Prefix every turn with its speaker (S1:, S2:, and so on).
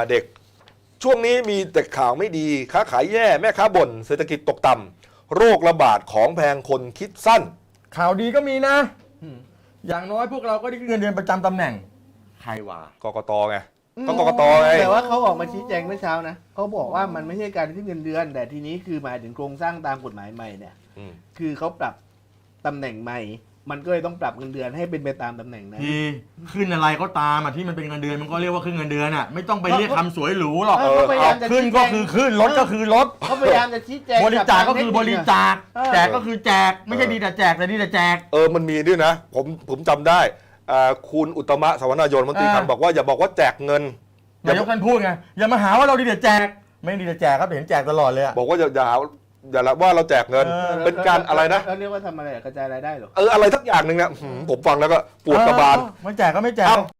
S1: เด็กช่วงนี้มีแต่ข่าวไม่ดีค้าขายแย่แม่ค้าบ่นเศรษฐกิจตกต่ำโรคระบาดของแพงคนคิดสั้น
S2: ข่าวดีก็มีนะ อย่างน้อยพวกเราก็ได้เงินเดือนประจำตำแหน่งใครวะ
S1: กกตไงต้องกกตไง
S3: แต่ว่าเขาออกมาชี้แจงเมื่อเช้านะเขาบอกว่ามันไม่ใช่การขึ้นเงินเดือน แต่ทีนี้คือหมายถึงโครงสร้างตามกฎหมายใหม่เนี่ย คือเขาปรับตำแหน่งใหม่ มันก็เลยต้องปรับเงินเดือนให้เป็นไปตามตำแหน่งนั้น
S2: ที่ขึ้นอะไรก็ตามที่มันเป็นเงินเดือนมันก็เรียกว่าขึ้นเงินเดือนอ่ะไม่ต้องไปเรียกคำสวยหรูหรอก
S3: เขาพยายามจะ
S2: ขึ้นก็คือขึ้นลดก็คือลด
S3: เขาพยายามจะชี้แจง
S2: บริจาคก็คือบริจาค แจก
S1: เออ
S2: ก็คือแจกไม่ใช่ดีแต่แจกแต่ดีแต่แจก
S1: มันมีด้วยนะผมจำได้คุณอุตตมะสวนายนมนตรีคลังบอกว่าอย่าบอกว่าแจกเงิน
S2: นายกท่านพูดไงอย่ามาหาว่าเราดีแต่แจกไม่ดีแต่แจกครับเห็นแจกตลอดเลยอะ
S1: บอกว่าอย่าหาอย่าละว่าเราแจกเงิน เป็นการอะไรนะ
S3: แล้วเรียกว่าทำอะไรกระจายรายได้เหรอ
S1: อะไรสักอย่างหนึ่งนะผมฟังแล้วก็ปวดกระบาล
S2: ไม่แจกก็ไม่แจก
S1: เอ้า